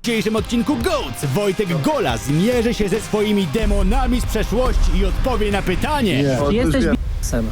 W dzisiejszym odcinku GOAT Wojtek Gola zmierzy się ze swoimi demonami z przeszłości i odpowie na pytanie. Czy jesteś b***em?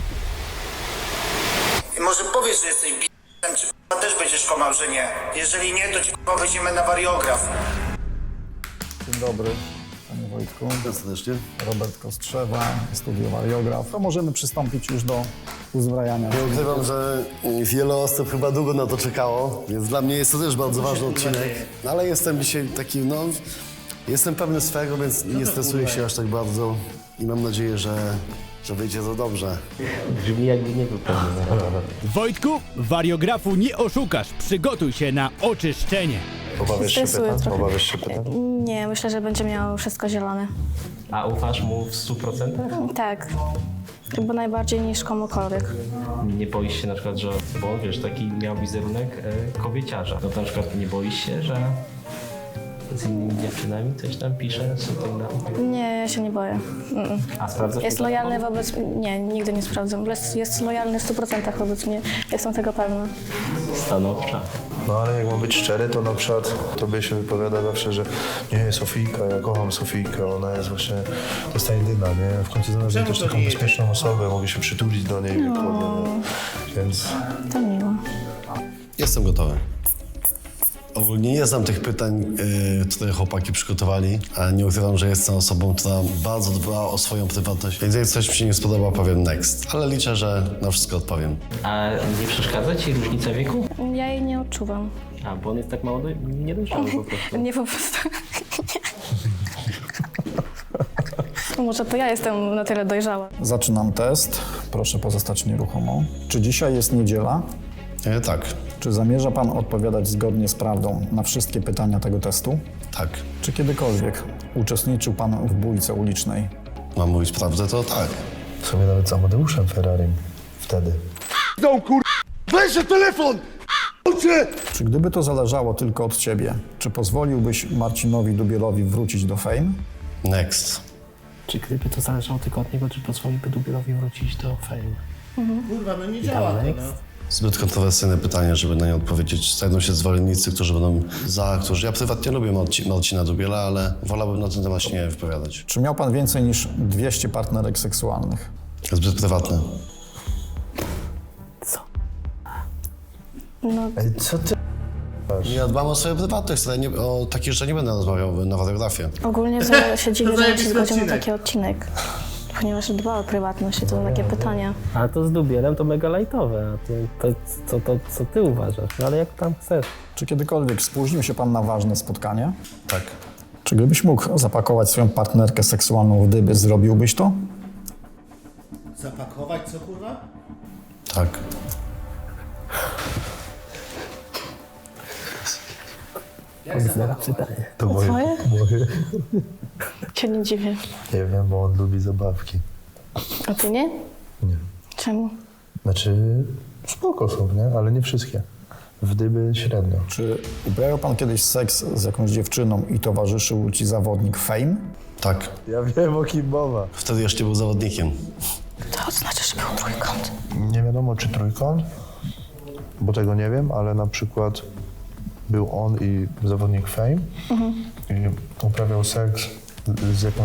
I może powiesz, że jesteś b***em, czy k***a też będziesz kłamał, że nie. Jeżeli nie, to ci k***a weźmiemy na wariograf. Dzień dobry, panie Wojtku. Serdecznie. Robert Kostrzewa, studio wariograf. To możemy przystąpić już do uzbrajania. Nie ukrywam, że wiele osób chyba długo na to czekało, więc dla mnie jest to też bardzo ważny odcinek. No, ale jestem dzisiaj taki, jestem pewny swego, więc nie stresuję się aż tak bardzo i mam nadzieję, że wyjdzie to dobrze. Brzmi jakby nie był pewny. Wojtku, wariografu nie oszukasz. Przygotuj się na oczyszczenie. Obawiasz się Stresuję pytań? trochę. Obawiasz się pytań? Nie, myślę, że będzie miał wszystko zielone. A ufasz mu w 100%? Tak. Chyba najbardziej niż komukolwiek. Nie boisz się na przykład, że, bo wiesz, taki miał wizerunek kobieciarza. No to na przykład nie boisz się, że z innymi dziewczynami coś tam pisze, Nie, ja się nie boję. A sprawdzasz? Jest lojalny wobec... Nie, nigdy nie sprawdzam. Jest lojalny w 100% wobec mnie. Jestem tego pewna. Stanowcza. No ale jak mam być szczery, to na przykład tobie się wypowiada zawsze, że nie, Sofijka, ja kocham Sofijkę, ona jest właśnie, to jest ta jedyna, nie? W końcu znalazłem też taką bezpieczną osobę, mogę się przytulić do niej, więc... To miło. Jestem gotowy. Ogólnie nie znam tych pytań, które chłopaki przygotowali, ale nie ukrywam, że jestem osobą, która bardzo dba o swoją prywatność, więc jak coś mi się nie spodoba, powiem next. Ale liczę, że na wszystko odpowiem. A nie przeszkadza ci różnica wieku? Ja jej nie odczuwam. A, bo on jest tak mało niedojrzały po prostu. Nie po prostu. Nie. Może to ja jestem na tyle dojrzała. Zaczynam test. Proszę pozostać nieruchomo. Czy dzisiaj jest niedziela? Tak, Czy zamierza pan odpowiadać zgodnie z prawdą na wszystkie pytania tego testu? tak. Czy kiedykolwiek uczestniczył pan w bójce ulicznej? Mam mówić prawdę, to tak. W sumie nawet z Amadeuszem Ferrarim wtedy. Czy gdyby to zależało tylko od ciebie, czy pozwoliłbyś Marcinowi Dubielowi wrócić do Fame? Next. Czy gdyby to zależało tylko od niego, czy pozwoliłby Dubielowi wrócić do Fame? Kurwa, no nie działa to, no. Zbyt kontrowersyjne pytanie, żeby na nie odpowiedzieć. Znajdą się zwolennicy, którzy będą którzy... Ja prywatnie lubię Marcina Dubiela, ale wolałbym na ten temat się nie wypowiadać. Czy miał pan więcej niż 200 partnerek seksualnych? Zbyt prywatne. No, Ej, co ty? Ja dbam o swoją prywatność, ale o takie rzeczy nie będę rozmawiał na fotografii. ogólnie to się dziwię, że się zajebisty zgodził na odcinek. taki odcinek. Ponieważ dba o prywatność i to są takie pytania. A to z Dubielem to mega lajtowe, a ty, co ty uważasz? No ale jak tam chcesz. Czy kiedykolwiek spóźnił się pan na ważne spotkanie? Tak. Czy gdybyś mógł zapakować swoją partnerkę seksualną w dyby, zrobiłbyś to? Zapakować co, kurwa? Tak. Pytanie. To moje. Twoje? Cię nie dziwię. Nie wiem, bo on lubi zabawki. A ty nie? Nie. Czemu? Znaczy, spoko są, nie? Ale nie wszystkie. W dyby średnio. Czy uprawiał pan kiedyś seks z jakąś dziewczyną i towarzyszył ci zawodnik Fame? Tak. Ja wiem, o kim mowa. Wtedy jeszcze był zawodnikiem. To znaczy, że był trójkąt. Nie wiadomo, czy trójkąt, bo tego nie wiem, ale na przykład był on i zawodnik Fame i uprawiał seks z jakąś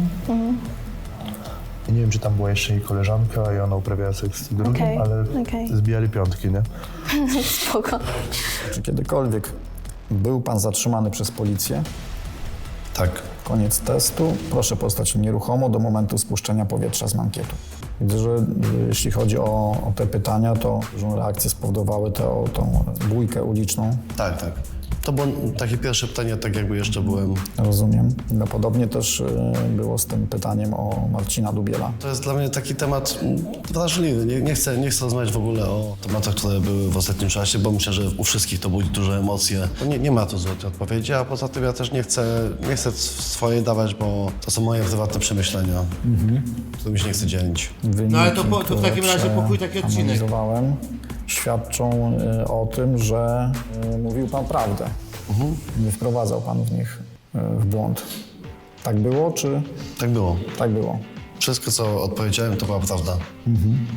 i nie wiem, czy tam była jeszcze jej koleżanka i ona uprawiała seks z drugim, Okej, ale okej. zbijali piątki, nie? Spoko. Czy kiedykolwiek był pan zatrzymany przez policję? Tak. Koniec testu. Proszę pozostać nieruchomo do momentu spuszczenia powietrza z mankietu. Widzę, że jeśli chodzi o te pytania, to dużą reakcję spowodowały tą bójkę uliczną. Tak, tak. To było takie pierwsze pytanie, tak jakby jeszcze byłem... Rozumiem. No, podobnie też było z tym pytaniem o Marcina Dubiela. To jest dla mnie taki temat wrażliwy. Nie chcę rozmawiać w ogóle o tematach, które były w ostatnim czasie, bo myślę, że u wszystkich to budzi duże emocje. Bo nie ma tu złotej odpowiedzi, a poza tym ja też nie chcę swoje dawać, bo to są moje prywatne przemyślenia, którymi się nie chcę dzielić. Wyniki, No ale to w które takim razie pokój taki odcinek. analizowałem, świadczą o tym, że mówił pan prawdę. Nie wprowadzał pan w nich w błąd. Tak było, czy Tak było. tak było? Wszystko, co odpowiedziałem, to była prawda.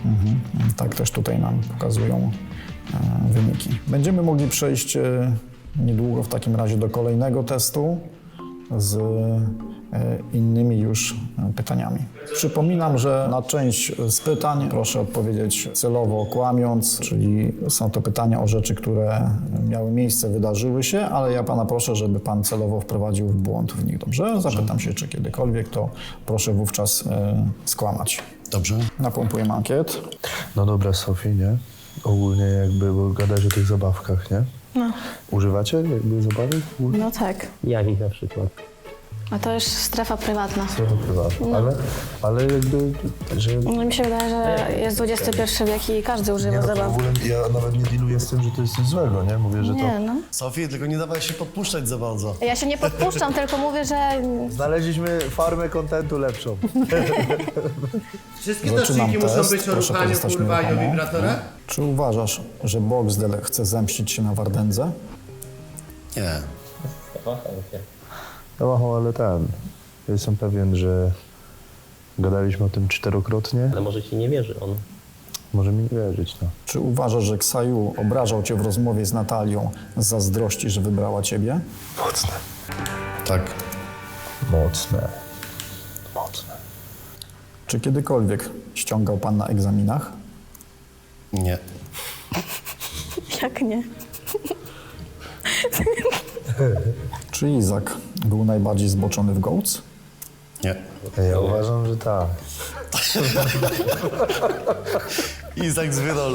Tak też tutaj nam pokazują wyniki. Będziemy mogli przejść niedługo w takim razie do kolejnego testu z innymi już pytaniami. Przypominam, że na część z pytań proszę odpowiedzieć celowo kłamiąc, czyli są to pytania o rzeczy, które miały miejsce, wydarzyły się, ale ja pana proszę, żeby pan celowo wprowadził w błąd w nich, dobrze? Zapytam się, czy kiedykolwiek, to proszę wówczas skłamać. Dobrze? Napompuję ankiet. No dobra, Sofii, nie? Ogólnie jakby, bo gadać o tych zabawkach, nie? No. Używacie jakby zabawek? No tak. Jakich na przykład? A to już strefa prywatna. Trochę prywatne, ale jakby, że... No mi się wydaje, że jest XXI wiek i każdy używa Nie, no to w zabaw. ogóle ja nawet nie dealuję z tym, że to jest coś złego, nie? Mówię, że Nie, no. Sofii, tylko nie dawaj się podpuszczać za bardzo. Ja się nie podpuszczam, tylko mówię, że Znaleźliśmy farmę kontentu lepszą. Wszystkie Zaczynam odcinki muszą test. być o Proszę ruchaniu, pozostać kurwaniu, nieruchomo. wibratorach? Czy uważasz, że Boxdel chce zemścić się na Wardędze? Nie. No, ale jestem pewien, że gadaliśmy o tym 4-krotnie. Ale może ci nie wierzy on. Może mi nie wierzyć, no. Czy uważasz, że Ksaju obrażał cię w rozmowie z Natalią z zazdrości, że wybrała ciebie? Mocne. Tak. Mocne. Mocne. Czy kiedykolwiek ściągał pan na egzaminach? Nie. jak nie? Czy Izak był najbardziej zboczony w Goats? Nie. Ja uważam, że tak. Izak z Wydol.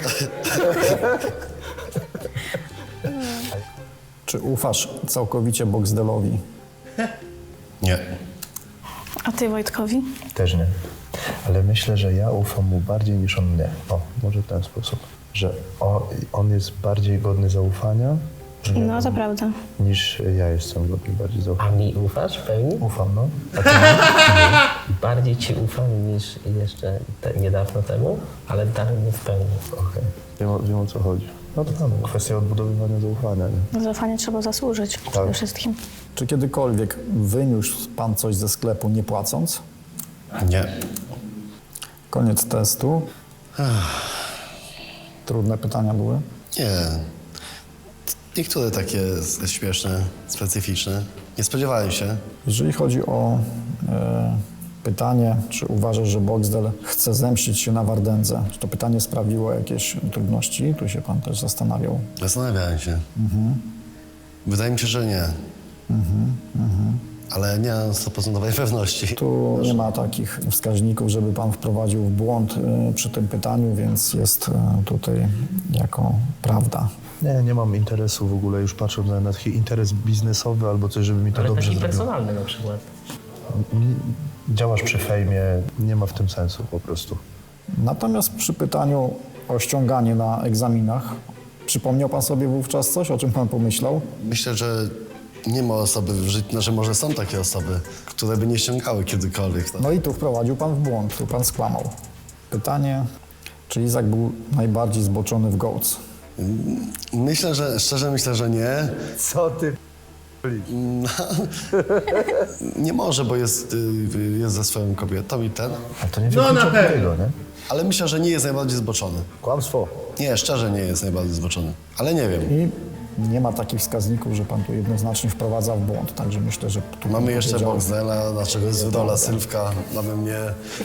Czy ufasz całkowicie Boxdelowi? Nie. A ty Wojtkowi? Też nie. Ale myślę, że ja ufam mu bardziej niż on mnie. O, może w ten sposób. Że on jest bardziej godny zaufania No to prawda. niż ja jestem godny bardziej A zaufania. mi ufasz w pełni? Ufam, no. Bardziej ci ufam niż jeszcze niedawno temu, ale dalej nie w pełni. Okej. Wiem o co chodzi. No to kwestia odbudowywania zaufania, nie? Na zaufanie trzeba zasłużyć przede wszystkim. Czy kiedykolwiek wyniósł pan coś ze sklepu nie płacąc? Nie. Koniec testu. Trudne pytania były. Nie. Niektóre takie śmieszne, specyficzne. Nie spodziewałem się. Jeżeli chodzi o pytanie, czy uważasz, że Boxdel chce zemścić się na Wardędze, czy to pytanie sprawiło jakieś trudności? Tu się pan też zastanawiał. Zastanawiałem się. Wydaje mi się, że nie. Ale nie mam 100% pewności. Tu nie ma takich wskaźników, żeby pan wprowadził w błąd przy tym pytaniu, więc jest tutaj jako prawda. Nie mam interesu w ogóle, już patrząc na taki interes biznesowy albo coś, żeby mi to Ale dobrze taki zrobiło. personalny na przykład. Działasz przy fejmie, nie ma w tym sensu po prostu. Natomiast przy pytaniu o ściąganie na egzaminach, przypomniał pan sobie wówczas coś, o czym pan pomyślał? Myślę, że nie ma osoby w życiu, że może są takie osoby, które by nie ściągały kiedykolwiek. No i tu wprowadził pan w błąd, tu pan skłamał. Pytanie, czy Izak był najbardziej zboczony w Goats? Myślę, że, szczerze myślę, że nie. Co ty? Nie może, bo jest ze swoją kobietą i ten. A to nie No, wiem, na pewno. tego, nie? Ale myślę, że nie jest najbardziej zboczony. Kłamstwo. Nie, szczerze nie jest najbardziej zboczony. Ale nie wiem. I nie ma takich wskaźników, że pan tu jednoznacznie wprowadza w błąd, także myślę, że tu Mamy pan jeszcze powiedział- Boxdela, naszego z Wydola, Sylwka. Mamy mnie.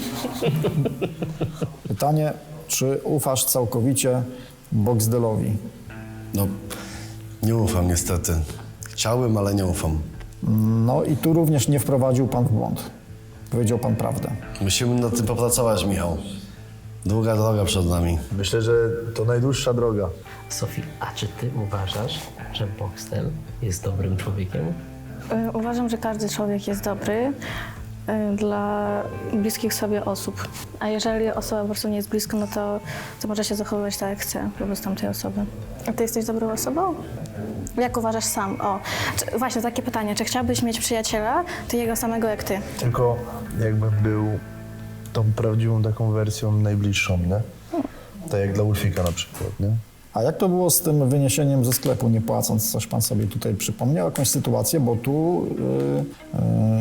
Pytanie, czy ufasz całkowicie Boxdelowi? No, nie ufam niestety. Chciałbym, ale nie ufam. No i tu również nie wprowadził pan w błąd. Powiedział pan prawdę. Musimy nad tym popracować, Michał. Długa droga przed nami. Myślę, że to najdłuższa droga. Sofii, a czy ty uważasz, że Boxdel jest dobrym człowiekiem? Uważam, że każdy człowiek jest dobry dla bliskich sobie osób. A jeżeli osoba po prostu nie jest blisko, no to może się zachowywać tak, jak chce wobec tamtej osoby. A ty jesteś dobrą osobą? Jak uważasz sam? Właśnie takie pytanie. Czy chciałbyś mieć przyjaciela, takiego samego jak ty? Tylko jakbym był tą prawdziwą taką wersją najbliższą, nie? Tak jak dla Ulfika na przykład, nie? A jak to było z tym wyniesieniem ze sklepu nie płacąc? Coś pan sobie tutaj przypomniał? Jakąś sytuację? Bo tu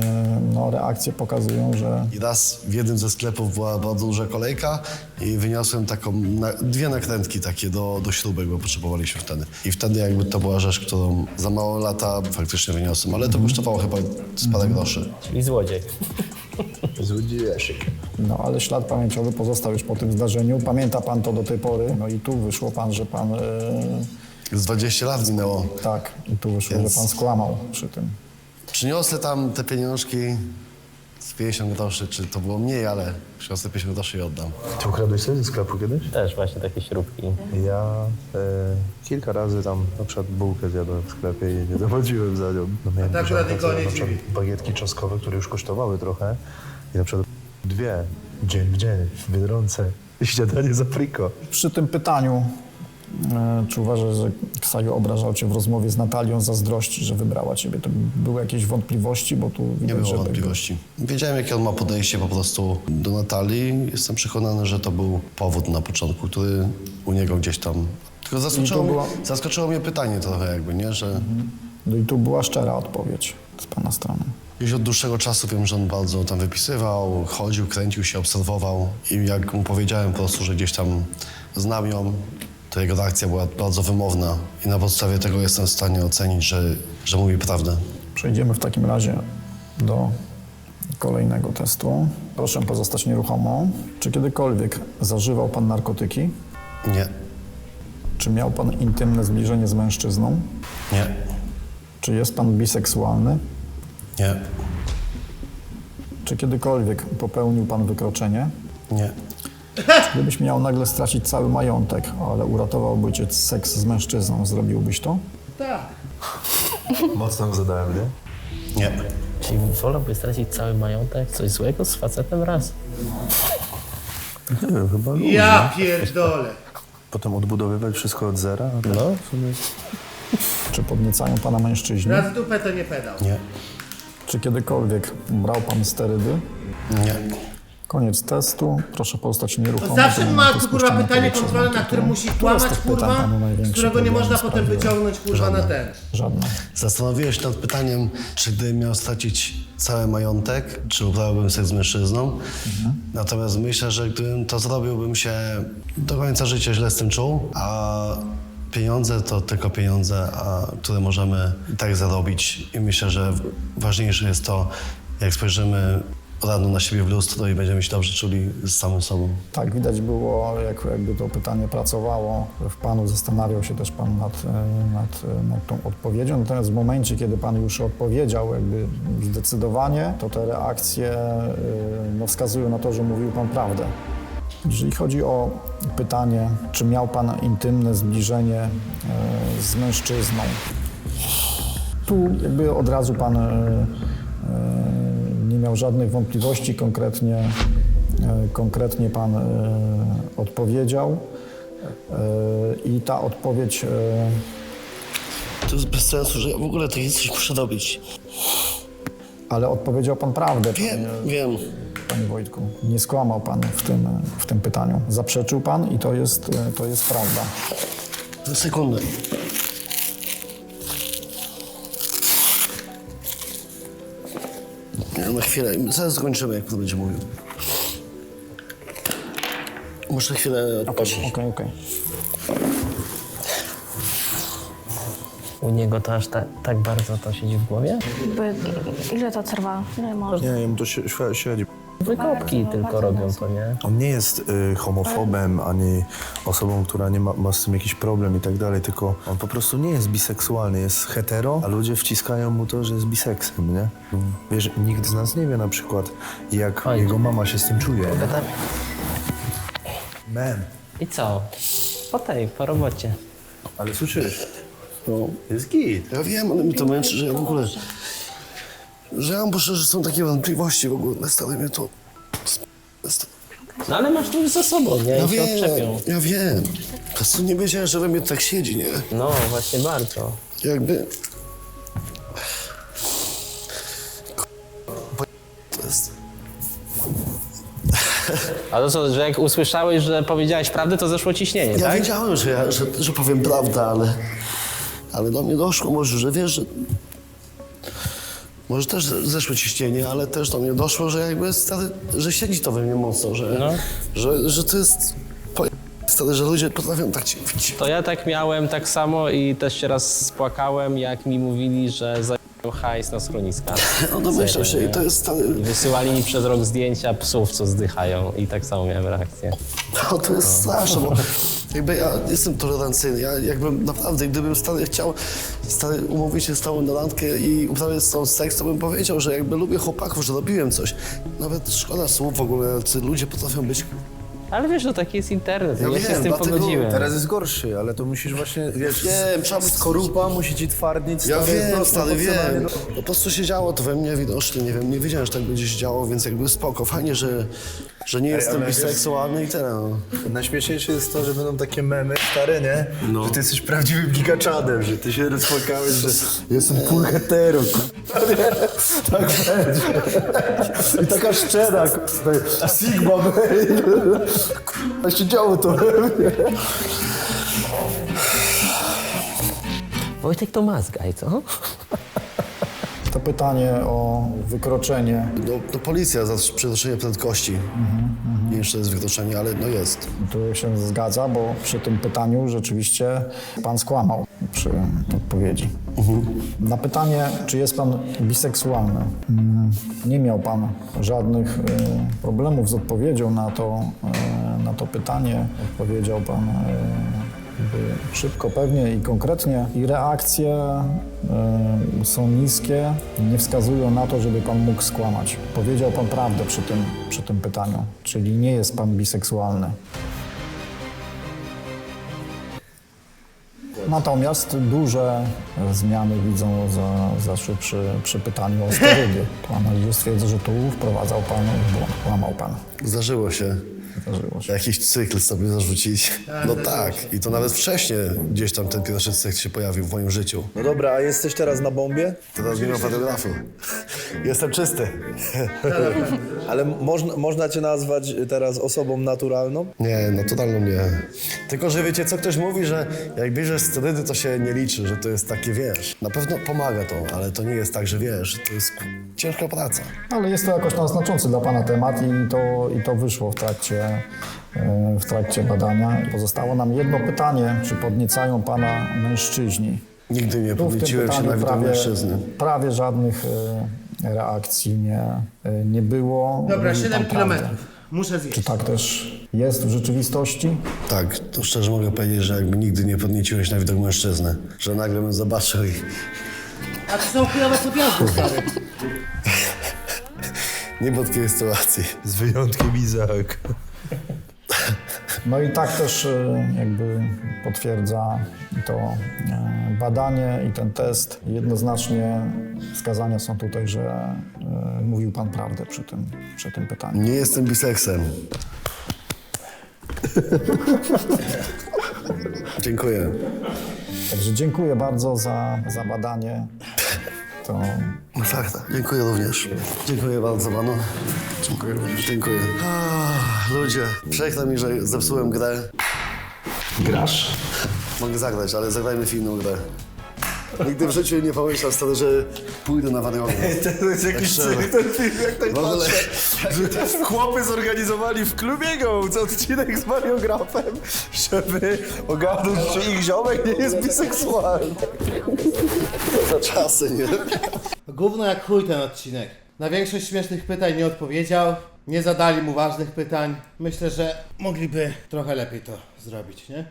no, reakcje pokazują, że I raz w jednym ze sklepów była bardzo duża kolejka i wyniosłem taką, dwie nakrętki takie do śrubek, bo potrzebowaliśmy wtedy. I wtedy jakby to była rzecz, którą za mało lata faktycznie wyniosłem, ale to kosztowało chyba z parę groszy. Czyli złodziej. Złodziejaszek. no, ale ślad pamięciowy pozostał już po tym zdarzeniu. Pamięta pan to do tej pory. No i tu wyszło pan, że pan... Z 20 lat minęło. tak, i tu wyszło, Więc- że pan skłamał przy tym. Przyniosę tam te pieniążki z 50 groszy, czy to było mniej, ale przyniosę 50 groszy i oddam. Ty ukradłeś coś ze sklepu kiedyś? Też właśnie takie śrubki. Ja kilka razy tam na przykład bułkę zjadłem w sklepie i nie dochodziłem za nią. No miałem tak dużą akurat nikogo rację, nie na przykład dziwi. bagietki czosnkowe, które już kosztowały trochę i na przykład 2 dzień w dzień w Biedronce i śniadanie za friko. Przy tym pytaniu, czy uważasz, że Ksaju obrażał cię w rozmowie z Natalią, zazdrości, że wybrała ciebie? To były jakieś wątpliwości, bo tu widać, Nie było że wątpliwości. Wiedziałem, jakie on ma podejście po prostu do Natalii. Jestem przekonany, że to był powód na początku, który u niego gdzieś tam... Tylko zaskoczyło mnie pytanie trochę jakby, nie? Że No i tu była szczera odpowiedź z pana strony. już od dłuższego czasu wiem, że on bardzo tam wypisywał, chodził, kręcił się, obserwował i jak mu powiedziałem po prostu, że gdzieś tam znam ją, to jego reakcja była bardzo wymowna i na podstawie tego jestem w stanie ocenić, że mówi prawdę. Przejdziemy w takim razie do kolejnego testu. Proszę pozostać nieruchomo. Czy kiedykolwiek zażywał pan narkotyki? Nie, Czy miał pan intymne zbliżenie z mężczyzną? nie, Czy jest pan biseksualny? nie, Czy kiedykolwiek popełnił pan wykroczenie? nie, Gdybyś miał nagle stracić cały majątek, ale uratowałby cię seks z mężczyzną, zrobiłbyś to? Mocno zadałem, nie? nie. Czyli wolałby stracić cały majątek? Coś złego z facetem raz? Nie wiem, chyba lubię. Ja pierdolę. Potem odbudowywać wszystko od zera? No. W sumie Czy podniecają pana mężczyźni? Raz dupę to nie pedał. Nie, Czy kiedykolwiek brał pan sterydy? nie. Koniec testu. Proszę pozostać nieruchomo. Zawsze do ma momentu kurwa spuszczenia pytanie powietrza kontrolne, z na które ankietą. musi Które z kłamać tych pytań kurwa, panu z największy którego nie problem można potem sprawiło? wyciągnąć kurwa na ten. Żadne. Zastanowiłem się nad pytaniem, czy gdybym miał stracić cały majątek, czy uprawiałbym seks z mężczyzną. Natomiast myślę, że gdybym to zrobił, bym się do końca życia źle z tym czuł, a pieniądze to tylko pieniądze, które możemy i tak zarobić. I myślę, że ważniejsze jest to, jak spojrzymy rano na siebie w lustro i będziemy się dobrze czuli z samym sobą. Tak, widać było, jakby to pytanie pracowało w panu, zastanawiał się też pan nad tą odpowiedzią. Natomiast w momencie, kiedy pan już odpowiedział jakby zdecydowanie, to te reakcje no, wskazują na to, że mówił pan prawdę. Jeżeli chodzi o pytanie, czy miał pan intymne zbliżenie z mężczyzną, tu jakby od razu pan nie miał żadnych wątpliwości, konkretnie pan odpowiedział i ta odpowiedź To jest bez sensu, że ja w ogóle takie coś muszę robić. ale odpowiedział pan prawdę, Wiem. panie Wojtku. Nie skłamał pan w tym pytaniu. Zaprzeczył pan i to jest prawda. Za sekundę. Na chwilę, zaraz skończymy, jak pan będzie mówił. Muszę chwilę odpocząć. Okej. U niego to aż tak bardzo to siedzi w głowie? Ile to trwa? Ile może? Nie, jemu to średzi. Wykopki tylko robią to, nie? On nie jest homofobem, ani osobą, która nie ma z tym jakiś problem i tak dalej, tylko on po prostu nie jest biseksualny, jest hetero, a ludzie wciskają mu to, że jest biseksem, nie? Wiesz, nikt z nas nie wie na przykład, jak jego mama się z tym czuje. Gadamy. Man, I co? Po robocie. ale słyszysz? No, Jest git. ja wiem, ale mi to męczy, że ja w ogóle... Że ja muszę, że są takie wątpliwości w ogóle, stale mnie to... No ale masz to już za sobą, nie? Ja I się odczepią. wiem. Po prostu nie wiedziałem, że we mnie tak siedzi, nie? No, właśnie bardzo. Jakby... To jest... A to co, że jak usłyszałeś, że powiedziałeś prawdę, to zeszło ciśnienie, Ja tak? wiedziałem, że powiem prawdę, ale do mnie doszło może, że wiesz, że Może też zeszło ciśnienie, ale też do mnie doszło, że jakby stary, że siedzi to we mnie mocno, że to jest stary, że ludzie potrafią tak ci mówić. To ja tak miałem tak samo i też się raz spłakałem, jak mi mówili, że zajmują hajs na schroniska. No domyślam się i to jest stary... I wysyłali mi przez rok zdjęcia psów, co zdychają i tak samo miałem reakcję. No to jest straszne, bo jakby ja jestem tolerancyjny, ja jakbym naprawdę, gdybym stary chciał umówić się z tobą na randkę i uprawiać z tobą seks, to bym powiedział, że jakby lubię chłopaków, że robiłem coś. Nawet szkoda słów w ogóle, czy ludzie potrafią być... Ale wiesz, no taki jest internet, ja się wiem, z tym dlatego pogodziłem. Teraz jest gorszy, ale to musisz właśnie, wiesz, Wiem, trzeba być... skorupa musi ci twardnić. Ja wiem, prosto, stary, wiem. emocjonalnie. No, po prostu się działo to we mnie widocznie, nie wiem, nie wiedziałem, że tak będzie się działo, więc jakby spoko, fajnie, że nie jestem ale biseksualny i tyle. No. Najśmieszniejsze jest to, że będą takie memy stare, nie? Że ty jesteś prawdziwym gigaczadem, że ty się rozpłakałeś, że jestem full hetero, nie? Tak będzie. I taka szczera, Sigma, a się działo to we mnie. Wojtek to mazgaj, co? To pytanie o wykroczenie. To policja za przekroczenie prędkości. Nie wiem, czy to jest wykroczenie, ale no jest. Tu się zgadza, bo przy tym pytaniu rzeczywiście pan skłamał przy odpowiedzi. Na pytanie, czy jest pan biseksualny, nie miał pan żadnych problemów z odpowiedzią na to pytanie. Odpowiedział pan szybko, pewnie i konkretnie. I reakcje są niskie, nie wskazują na to, żeby pan mógł skłamać. Powiedział pan prawdę przy tym pytaniu, czyli nie jest pan biseksualny. Natomiast duże zmiany widzą zaszły przy pytaniu o sterydy. Analizy stwierdza, że tu wprowadzał pan w błąd, kłamał pan. Zdarzyło się. Zdarzyło się. Jakiś cykl sobie zarzucić. No tak. I to nawet wcześniej gdzieś tam ten pierwszy cykl się pojawił w moim życiu. No dobra, a jesteś teraz na bombie? Teraz nie mam fotografu. Jestem czysty. Ale można cię nazwać teraz osobą naturalną? Nie, naturalną nie. Tylko, że wiecie co, ktoś mówi, że jak bierzesz sterydy, to się nie liczy, że to jest takie, wiesz. Na pewno pomaga to, ale to nie jest tak, że wiesz, to jest ciężka praca. Ale jest to jakoś tam znaczący dla pana temat i to wyszło w trakcie badania. Pozostało nam jedno pytanie, czy podniecają pana mężczyźni? Nigdy nie Tu w tym podnieciłem się pytaniu na widok mężczyzny. prawie żadnych reakcji nie było. Dobra, Mówi 7 pan prawdę. kilometrów. Muszę zjeść. Czy tak też jest w rzeczywistości? Tak, to szczerze mogę powiedzieć, że jakby nigdy nie podnieciłeś na widok mężczyzny. Że nagle bym zobaczył i... A to są chujowe podjazdy, stary. Nie było takiej sytuacji. Z wyjątkiem Izaak. No i tak też jakby potwierdza to badanie i ten test. Jednoznacznie wskazania są tutaj, że mówił pan prawdę przy tym pytaniu. Nie jestem biseksem. Dziękuję. Także dziękuję bardzo za badanie. To No tak, tak. Dziękuję również. Dziękuję bardzo panu. Dziękuję również. Dziękuję. Ludzie, przykro mi, że zepsułem grę. Grasz? Mogę zagrać, ale zagrajmy w inną grę. Nigdy w życiu nie pomyślał stary, że pójdę na wariogę. To jest jakiś cyrk, ten film, jak tak W ogóle- patrzę. Chłopy zorganizowali w klubie Gołc odcinek z Mariografem, żeby ogarnąć, czy ich ziomek nie jest biseksualny. Za czasy, nie? Gówno jak chuj ten odcinek. Na większość śmiesznych pytań nie odpowiedział. Nie zadali mu ważnych pytań. Myślę, że mogliby trochę lepiej to zrobić, nie?